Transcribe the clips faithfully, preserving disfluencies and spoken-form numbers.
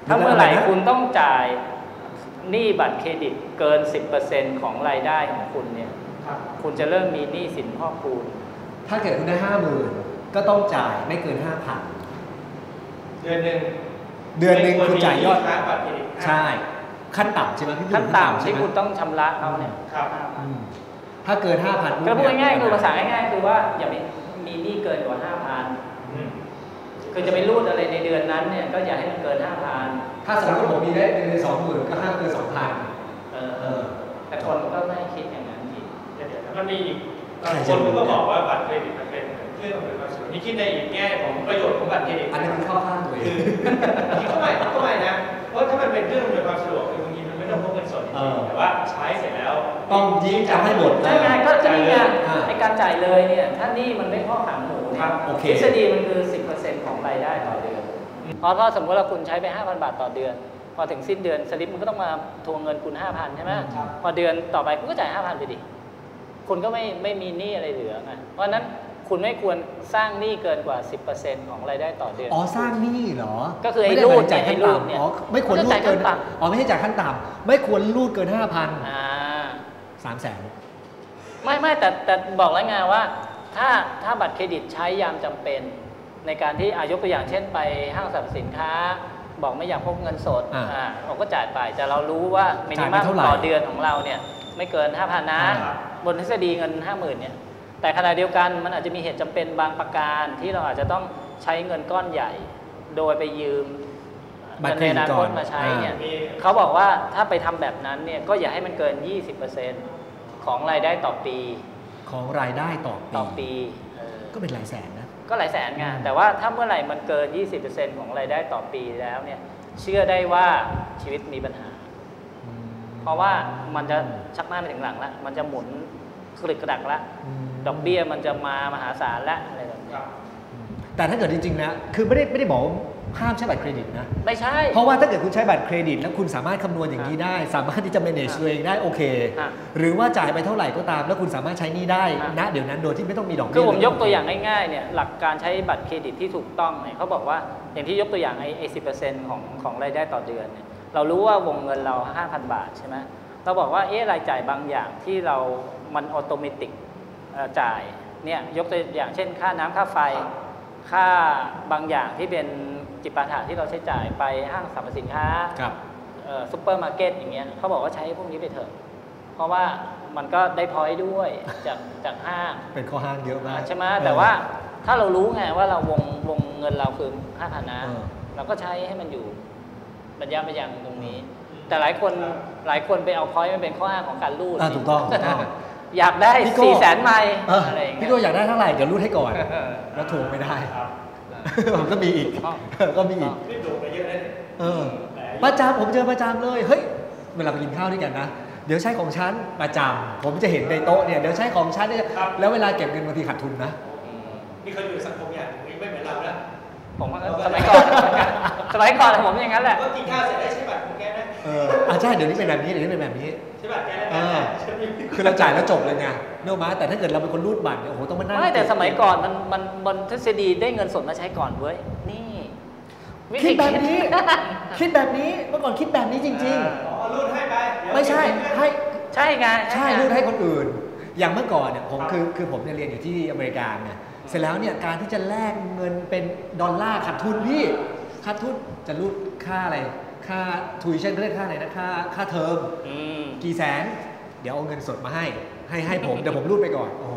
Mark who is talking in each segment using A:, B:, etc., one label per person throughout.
A: ถ้าเมื่อไหร่คุณต้องจ่ายหนี้บัตรเครดิตเกิน สิบเปอร์เซ็นต์ ของรายได้ของคุณเนี่ยคุณจะเริ่มมีหนี้สินพอกพูน
B: ถ้าเกิดคุณได้ห้าหมื่นก็ต้องจ่ายไม่เกินห้าพัน
C: เดือนหนึ่ง
B: เดือนหนึ่งคุณจ่ายยอด
C: บัตรเครดิต
B: ใช่ขั้นต่ำใช่ไหมพี่
A: ขั้นต่ำที่คุณต้องชำระเขาเนี่ย
C: ครับ
B: ถ้าเกินห้าพัน
A: ก็พูดง่ายๆคือภาษาง่ายๆคือว่าอย่ามีมีหนี้เกินกว่าห้าพันคือจะไปรูดอะไรในเดือนนั้นเนี่ยก็อย่าให้มันเกินห้าพัน
B: ถ้าสมมติผมมีได้เดือนสองหมื่นก็ห้ามเกินสองพัน
A: เออเออแต่คนก็ไม่คิดอย่างนั้นอีก
C: เดี๋ยวมันมีอีกคนก็บอกว่าบัตรเครดิตมันเป็นเครื่องอำนวยความสะดวกนี่คิดในอีกแง่ของประโยชน์ของบัตรเครดิต
B: อันนี้มันเข้าข้างตัวเอง
C: คิดเข้าไปเข้าไปนะเพราะถ้ามันเป็นเครื่องอำนวยความสะดวกคือบางทีมันไม่ต้องพกเงินสดแต่ว่าใช้เสร็จแล้ว
B: ต้องยิ้มจำให้หมด
A: ใช่ไงก็จะมีการในการจ่ายเลยเนี่ยถ้านี่มันไม่ข้อขังหมูเนี่ยทฤษฎีมันคือ สิบเปอร์เซ็นต์ ของรายได้ต่อเดือนเพราะถ้าสมมติว่าคุณใช้ไป ห้าพัน บาทต่อเดือนพอถึงสิ้นเดือนสลิปมันก็ต้องมาทวงเงินคุณ ห้าพัน ใช่ไหมพอเดือนต่อไปคุณก็จ่าย ห้าพัน ไปดิคุณก็ไม่ไม่มีหนี้อะไรเหลือไงเพราะนั้นคุณไม่ควรสร้างหนี้เกินกว่า สิบเปอร์เซ็นต์ ของรายได้ต่อเดือน
B: อ๋อสร้างหนี้เหรอ
A: ก็คือไอ้รูดจ่ายขั้นต่ำ
B: อ๋อไม่ควรรูดเกินอ๋อไม่ใช่จ่ายขั้นต่ำไม่ควรรูดเกิน ห้าพัน
A: อ่า
B: สามแสน
A: ไม่ไม่แต่แต่บอกแล้วไงว่าถ้าถ้าบัตรเครดิตใช้ยามจำเป็นในการที่อายกตัวอย่างเช่นไปห้างสรรพสินค้าบอกไม่อยากพกเงินสดอ่าเราก็จ่ายไปแต่เรารู้ว่ามินิมัมต่อเดือนของเราเนี่ยไม่เกิน ห้าพัน นะบนทฤษฎีเงิน ห้าหมื่น เนี่ยแต่ขณะเดียวกันมันอาจจะมีเหตุจำเป็นบางประการที่เราอาจจะต้องใช้เงินก้อนใหญ่โดยไปยืม
B: บัตรเครดิต
A: ในอนาคตมาใช้เนี่ยเขาบอกว่าถ้าไปทำแบบนั้นเนี่ยก็อย่าให้มันเกิน ยี่สิบเปอร์เซ็นต์ ของรายได้ต่อปี
B: ของรายได้ต่อปี
A: ต่อปี
B: ก็เป็นหลายแสนนะ
A: ก็หลายแสนไงแต่ว่าถ้าเมื่อไหร่มันเกิน ยี่สิบเปอร์เซ็นต์ ของรายได้ต่อปีแล้วเนี่ยเชื่อได้ว่าชีวิตมีปัญหาเพราะว่ามันจะชักหน้าไปถึงหลังแล้วมันจะหมุนกระดิกกระดักแล้วดอกเบี้ยมันจะมามหาศาลแล้วอะไรแบบนี้
B: แต่ถ้าเกิดจริงๆนะคือไม่ได้ไม่ได้บอกห้ามใช้บัตรเครดิตนะ
A: ไม่ใช่
B: เพราะว่าถ้าเกิดคุณใช้บัตรเครดิตแล้วคุณสามารถคำนวณอย่างนี้ได้สามารถที่จะ manage ตัวเองได้โอเคหรือว่าจ่ายไปเท่าไหร่ก็ตามแล้วคุณสามารถใช้นี่ได้ณเดี๋ยวนั้นโดยที่ไม่ต้องมีดอกเบี้ย
A: คือผมยกตัวอย่างง่ายๆเนี่ยหลักการใช้บัตรเครดิตที่ถูกต้องเนี่ยเขาบอกว่าอย่างที่ยกตัวอย่างไอ้ไอ้สิบเปอร์เซ็นต์ของของรายได้ต่อเดือนเนี่ยเรารู้ว่าวงเงินเรา ห้าพัน บาทใช่ไหมเราบอกว่าเอ๊ะรายจ่ายบางอย่างที่เรามันออโตเมติกจ่ายเนี่ยยกตัวอย่างเช่นค่าน้ำค่าไฟค่าบางอย่างที่เป็นจิปาถะที่เราใช้จ่ายไปห้างสรรพสินค้าซุปเปอร์มาร์เก็ตอย่างเงี้ยเขาบอกว่าใช้พวกนี้ไปเถอะเพราะว่ามันก็ได้พอยต์ด้วยจากจากห้าง
B: เป็นข้อห้างเยอะมาก
A: ใช่ไหมแต่ว่าถ้าเรารู้ไงว่าเราวงวงเงินเราคือห้าพันนะเราก็ใช้ให้มันอยู่ระยะไปอย่างตรงนี้แต่หลายคนหลายคนไปเอาพอยต์มันเป็นข้ออ้างของการรูด
B: ถูกต้อง
A: อยากได้สี่แสนไมล์อะไรอย่างเงี้ย
B: พี่โก้อยากได้เท่าไหร่เดี๋ยวรูดให้ก่อนแล้วถูกไม่ได้ผมก็มีอีกก็มีอีก
C: นี่โดนไปเยอะเลย
B: เออประจำผมเจอประจำเลยเฮ้ยเวลาไปกินข้าวด้วยกันนะเดี๋ยวใช้ของฉันประจำผมจะเห็นในโต๊ะเนี่ยเดี๋ยวใช้ของฉันเนี่ยแล้วเวลาเก็บเงินบางทีขาดทุนนะ
C: นี่เขาอยู่สังคมอย่างนี้ไม่เหมือนเราแล้ว
A: ผมสมัยก่อนสมัยก่อนผมอย่างนั้นแหละ
C: ก็กินข้าวเสร็จได้ใช้บัตรของแกนะ
B: เอออ่าใช่เดี๋ยวนี้เป็นแบบนี้เดี๋ยวนี้เป็นแบบนี้
C: ใช้บัตรแกแล้ว
B: คือเราจ่ายแล้วจบเลยไงเนอะมาแต่ถ้าเกิดเราเป็นคนรูดบัตรเนี่ยโอ้โหต้องมานั่ง
A: ไม่แต่สมัยก่อนมันมันบนทฤษฎีได้เงินสดมาใช้ก่อนเว้ยนี่
B: คิดแบบนี้คิดแบบนี้เมื่อก่อนคิดแบบนี้จริง
C: ๆอ๋อรูดให้ไป
B: ไม่ใช่ให้
A: ใช่ไง
B: ใช่รูดให้คนอื่นอย่างเมื่อก่อนเนี่ยผมคือคือผมเนี่ยเรียนอยู่ที่อเมริกาไงเสร็จแล้วเนี่ยการที่จะแลกเงินเป็นดอลลาร์ขาดทุนพี่ขาดทุนจะรูดค่าอะไรค่าทูอิชั่นเรียกค่าอะไรนะค่าค่าเทอมกี่แสนเดี๋ยวเอาเงินสดมาให้ให้ให้ผมเดี๋ยวผมรูดไปก่อนโอ้โห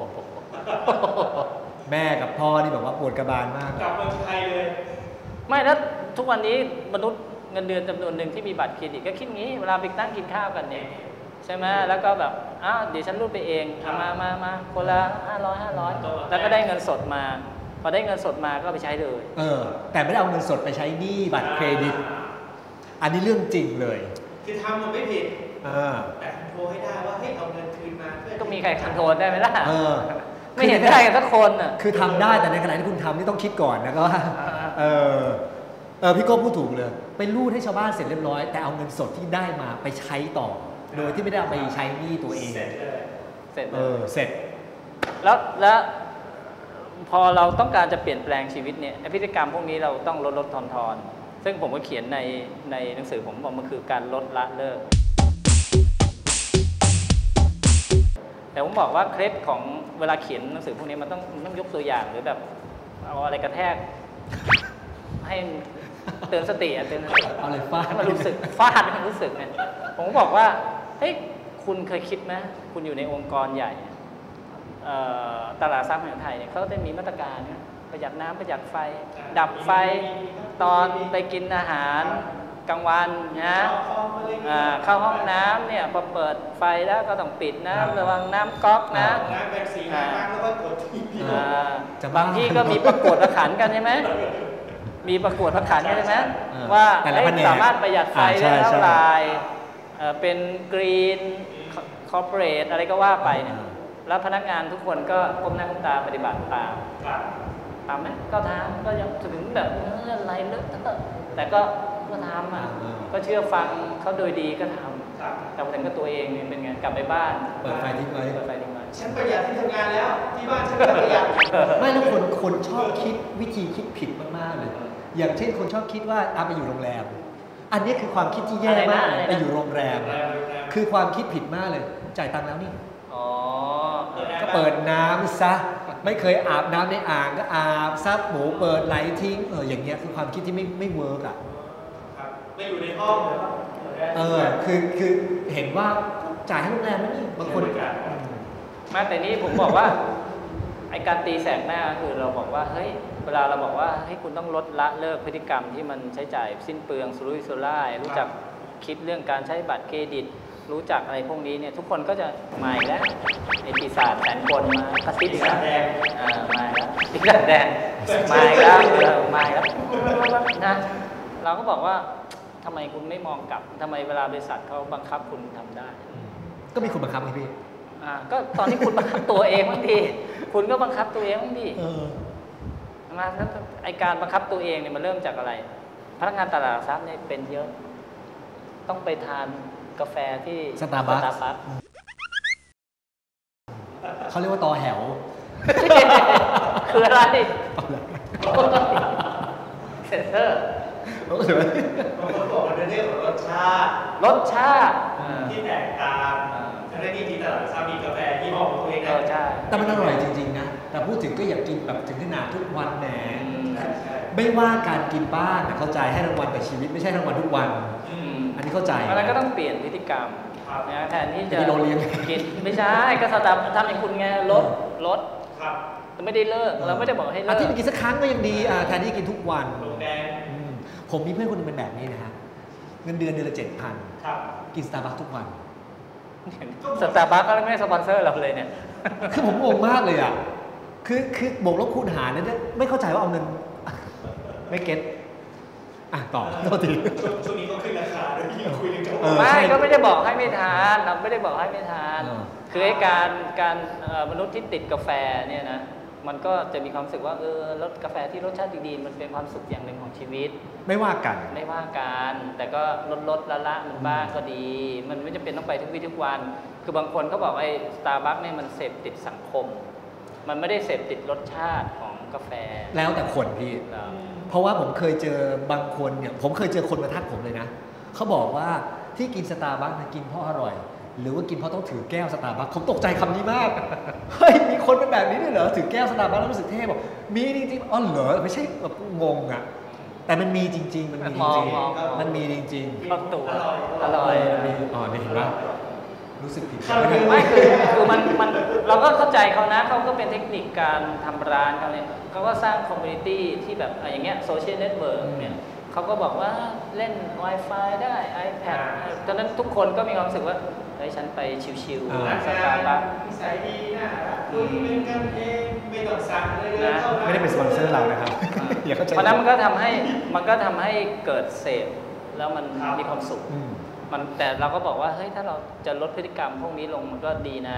B: แม่กับพ่อนี่แบบว่าปวดกระบาลมาก
C: กลับมาไทยเลย
A: ไม่แล้วทุกวันนี้มนุษย์เงินเดือนจำนวนหนึ่งที่มีบัตรเครดิตก็คิดงี้เวลาไปนั่งกินข้าวกันเนี่ยใช่ไหมแล้วก็แบบอ้าวเดี๋ยวฉันรูดไปเองมามามาคนละห้าร้อยห้าร้อยแล้วก็ได้เงินสดมาพอได้เงินสดมาก็ไปใช้เลย
B: เออแต่ไม่ได้เอาเงินสดไปใช้หนี้บัตรเครดิตอันนี้เรื่องจริงเลย
C: คือทำมันไม่ผิด
B: เออ
C: แต่คอนโทรลให้ได้ว่าให้เอาเงินคืนมาเพื่อ
A: ก็มีใครคอนโทรลได้ไหมล่ะ
B: เออ
A: ไม่เห็นได้กันสักคนอ่ะ
B: คือทำได้แต่ในขณะที่คุณทำนี่ต้องคิดก่อนนะก็ว่าเออเออพี่โก้พูดถูกเลยไปรูดให้ชาวบ้านเสร็จเรียบร้อยแต่เอาเงินสดที่ได้มาไปใช้ต่อโดยที่ไม่ได้เอาไปใช้หนี้ตัวเอง
C: เสร็จเลย
A: เสร็จ
B: เออเสร็จ
A: แล้วแล้วพอเราต้องการจะเปลี่ยนแปลงชีวิตเนี่ยพฤติกรรมพวกนี้เราต้องลดลดทอนทอนซึ่งผมก็เขียนในในหนังสือผมบอกมันคือการลดละเลิกแต่ผมบอกว่าเคล็ดของเวลาเขียนหนังสือพวกนี้มันต้องต้องยกตัวอย่างหรือแบบเอาอะไรกระแทกให้เตือนสติอะเตือนสติ
B: เอาอะไรฟาด
A: ให้มันรู้สึกฟาดให้มันรู้สึกเนี่ยผมก็บอกว่าเฮ้ยคุณเคยคิดไหมคุณอยู่ในองค์กรใหญ่ตลาดทรัพย์แห่งไทยเนี่ยเขาจะมีมาตรการประหยัดน้ำประหยัดไฟดับไฟตอนไปกินอาหารกลางวันนะเข้าห้องน้ำเนี่ยพอเปิดไฟแล้วก็ต้องปิดนะระวังน้ำก๊อกนะ
C: น้ำแบ่งสีน้ำแล้วก็กดทีวี
A: บางที่ก็มีประกวดประขันกันใช่ไหมมีประกวดประขันกันใช่ไหมว่าสามารถประหยัดไฟได้เท่าไหร่เป็นกรีนคอร์ปอเรทอะไรก็ว่าไปเนี่ยแล้วพนักงานทุกคนก็ก้มหน้าก้มตาปฏิบัติตามทำไหมก็ทำก็ยังถึงแบบอะไรเลิกแต่ก็ก็ทำอ่ะก็เชื่อฟังเขาโดยดีก็ทำแต่พอถึงกับตัวเองเป็นไงกลับไปบ้าน
B: เปิดไฟทิ้งไว้
A: เปิดไฟทิ้งไว้
C: ฉันประหยัดที่ทำงานแล้วที่บ้านฉันก็ประหยัด
B: ไม่แล้วคนคนชอบคิดวิธีคิดผิดมากๆเลยอย่างเช่นคนชอบคิดว่าเอาไปอยู่โรงแรมอันนี้คือความคิดที่แย่มากไปอยู่โรงแรมคือความคิดผิดมากเลยจ่ายตังค์แล้วนี่ก็เปิดน้ำซะไม่เคยอาบน้ำในอ่างก็อาบซับหมูเปิดไหลทิ้งเอออย่างเงี้ยคือความคิดที่ไม่ไม่เวิร์กอ่ะ
C: ไม่อยู่ในห้องเลย
B: เออคือคือเห็นว่าจ่ายให้โรงแรมนั่นนี่บางคน
A: มาแต่นี้ผมบอกว่าไอการตีแสกหน้าคือเราบอกว่าเฮ้ยเวลาเราบอกว่าให้คุณต้องลดละเลิกพฤติกรรมที่มันใช้จ่ายสิ้นเปลืองสุรุ่ยสุร่ายรู้จักคิดเรื่องการใช้บัตรเครดิตรู้จักอะไรพวกนี้เนี่ยทุกคนก็จะมาอีกแล้วไอปีศาจแสนคนมากระซิบอีกแล้วอ่ามาแล้วปีศาจแดงมาอีกแล้วมาอีกแล้วนะเราก็บอกว่าทำไมคุณไม่มองกลับทำไมเวลาบริษัทเขาบังคับคุณทำได้
B: ก็มีคนบังคับไงพี่
A: อ่าก็ตอนที่คุณบังคับตัวเองบางทีคุณก็บังคับตัวเองบางทีมาไอการบังคับตัวเองเนี่ยมันเริ่มจากอะไรพนักงานตลาดทรัพย์เนี่ยเป็นเยอะต้องไปทานกาแฟที่
B: สตาร์บัคเขาเรียกว่าตอแหว
A: คืออะไรเซ็นเซอร์
C: บางคนบอกมันเป็นเรื่องของรสชาติ
A: รสชาติ
C: ที่แตกต่างทั้งที่ที่ตลาดทรัพย์มีกาแฟที่เหมาะกับตัวเองนะ
B: แต่มันอร่อยจริงๆนะแต่พูดถึงก็อยากกินแบบถึงขนาดทุกวันแหนไม่ว่าการกินบ้างเข้าใจให้รางวัลกับชีวิตไม่ใช่รางวัลทุกวันอันนี้เข้าใจ
A: แล้วก็ต้องเปลี่ยนพฤติกรรมนะแทนที่จะกินไม่ใช่ก็สตาร์ทำอย่างคุณไงลดลดแต่ไม่ได้เลิกเราไม่ได้บอกให้เลิก
B: อาทิตย์กินสักครั้งก็ยังดีแทนที่กินทุกวันผมมีเพื่อนคนนึงเป็นแบบนี้นะฮะเงินเดือนเดือนละเจ็ดพันกินสตาร์บัคทุกวัน
A: สตาร์บัคก็ไม่สปอนเซอร์เราเลยเนี่ย
B: คือผมงงมากเลยอ่ะคือคือบวกลบคูณหารเนี่ยไม่เข้าใจว่าเอาเงินไม่เก็ตอ่ะต่อโทษที
C: ช่วงนี้ก็ขึ้นราคาด้วยที่คุยกัน
A: ไม่ก็ไม่ได้บอกให้ไม่ทานเราไม่ได้บอกให้ไม่ทานคือไอ้การการมนุษย์ที่ติดกาแฟเนี่ยนะมันก็จะมีความรู้สึกว่าเออรสกาแฟที่รสชาติดีๆมันเป็นความสุขอย่างหนึ่งของชีวิต
B: ไม่ว่ากัน
A: ไม่ว่ากันแต่ก็ลดลดละละมันบ้างก็ดีมันไม่จำเป็นต้องไปทุกวี่ทุกวันคือบางคนเขาบอกไอ้สตาร์บัคเนี่ยมันเสพติดสังคมมันไม่ได้เสพติดรสชาติของกาแฟ
B: แล้วแต่คนพี่เพราะว่าผมเคยเจอบางคนเนี่ยผมเคยเจอคนมาทักผมเลยนะเขาบอกว่าที่กินสตาร์บัคกินเพราะอร่อยหรือว่ากินเพราะต้องถือแก้วสตาร์บัคผมตกใจคำนี้มากเฮ้ยมีคนเป็นแบบนี้ด้วยเหรอถือแก้วสตาร์บัคแล้วรู้สึกเท่บอกมีจริงๆอ๋อเหรอไม่ใช่แบบงงอ่ะแต่มันมีจริงๆมันมีจริงๆมันมีจริง
A: ๆอร่อยอร่อย
B: อ๋อนี่เห็นไหมรู้สึกผิด
A: ไม่คือคือมันมันเราก็เข้าใจเขานะเขาก็เป็นเทคนิคการทำร้านเขาเนี่ยเขาก็สร้างคอมมูนิตี้ที่แบบอย่างเงี้ยโซเชียลเน็ตเวิร์กเนี่ยเขาก็บอกว่าเล่น Wi-Fi ได้ iPad ตอนนั้นทุกคนก็มีความรู้สึกว่าเฮ้ยฉันไปชิวๆสตาร์บัค
C: นิสัยดีนะคุยเป็นกันเองไม่ต้องสั่งเลยนะ
B: ไม่ได้เป็นสปอนเซอร์เรานะครับ
A: เพราะนั้นมันก็ทำให้มันก็ทำให้เกิดเสพแล้วมันมีความสุขมันแต่เราก็บอกว่าเฮ้ยถ้าเราจะลดพฤติกรรมพวกนี้ลงมันก็ดีนะ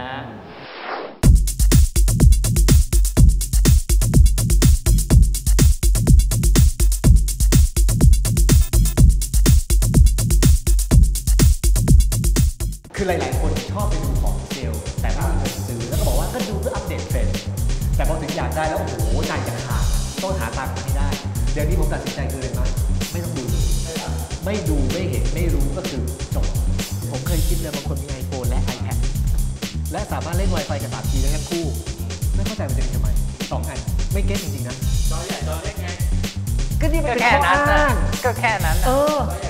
B: คือหลายๆคนชอบไปดูของเซลล์แต่ไม่มีเงินซื้อแล้วก็บอกว่าก็ดูเพื่ออัปเดตเทรนด์แต่พอถึงอยากได้แล้วโอ้โหใจจะขาดต้องหาตังค์มาให้ได้เดี๋ยวนี้ผมตัดสินใจคืออะไรมั้ยไม่ต้องดูไม่ดูไม่เห็นไม่รู้ก็คือจบผมเคยคิดเลยบางคนมี iPhone และ iPad และสามารถเล่น Wi-Fi กับ ทรี จี ได้ทั้งคู่ไม่เข้าใจมันจะเป็นทำไมสองอันไม่เก็ตจริงๆนะ
C: จอใหญ่จอเล็กไง
B: ก็นี่มัน
A: ก็
B: เป็น
A: แค่
B: ข้อ
A: นั้น
B: อ้า
A: นะ
B: ง
A: ก็แค่นั้นนะ
B: เออ